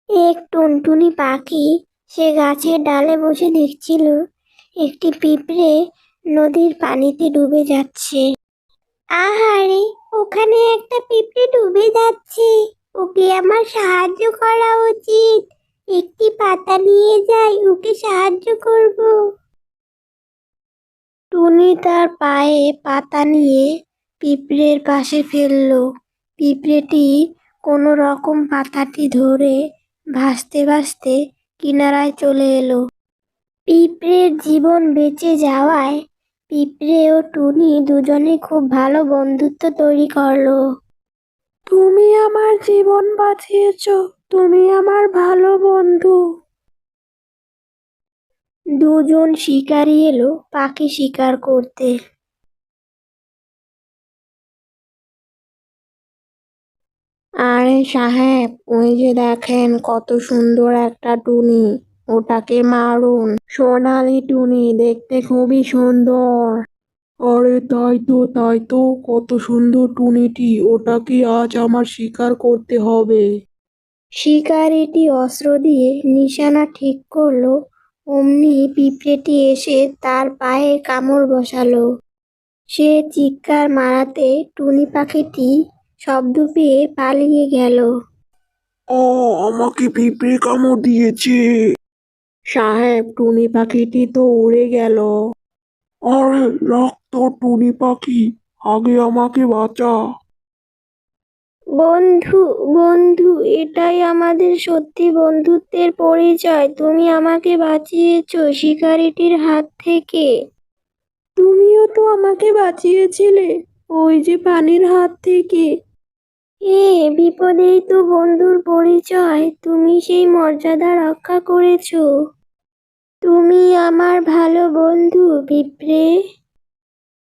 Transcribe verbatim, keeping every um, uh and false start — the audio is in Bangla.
এক টুনটুনি পাখি সে গাছের ডালে বসে দেখছিল একটি পিঁপড়ে নদীর পানিতে ডুবে যাচ্ছে। আহারে, ওখানে একটা পিঁপড়ে ডুবে যাচ্ছে, ওকে আমার সাহায্য করা উচিত। একটি পাতা নিয়ে যাই, ওকে সাহায্য করব। টুনি তার পায়ে পাতা নিয়ে পিঁপড়ের পাশে ফেললো। পিঁপড়েটি কোনো রকম পাতাটি ধরে ভাসতে ভাসতে কিনারায় চলে এলো। পিঁপড়ের জীবন বেঁচে যাওয়ায় পিঁপড়ে ও টুনি দুজনে খুব ভালো বন্ধুত্ব তৈরি করলো। তুমি আমার জীবন বাঁচিয়েছো, তুমি আমার ভালো বন্ধু। দুজন শিকারী এলো পাখি শিকার করতে। আরে সাহেব, ওই যে দেখেন কত সুন্দর একটা টুনি, ওটাকে মারুন। সোনালি টুনি, দেখতে খুবই সুন্দর। আরে তাই তো তাই তো কত সুন্দর টুনিটি, ওটাকে আজ আমার শিকার করতে হবে। শিকারিটি অস্ত্র দিয়ে নিশানা ঠিক করলো। অমনি পিঁপড়েটি এসে তার পায়ে কামড় বসালো। সে চিৎকার মারাতে টুনি পাখিটি শব্দ পেয়ে পালিয়ে গেল। ও, আমাকে পিঁপড়ে কামড় দিয়েছে। সাহেব, টুনি পাখিটি তো উড়ে গেল। আরে রক্ত টুনি পাখি, আগে আমাকে বাঁচা। বন্ধু, বন্ধু, এটাই আমাদের সত্যি বন্ধুত্বের পরিচয়। তুমি আমাকে বাঁচিয়েছো শিকারিটির হাত থেকে। তুমিও তো আমাকে বাঁচিয়েছিলে ওই যে পানির হাত থেকে। এ বিপদেই তো বন্ধুর পরিচয়। তুমি সেই মর্যাদা রক্ষা করেছো। তুমি আমার ভালো বন্ধু পিঁপড়ে।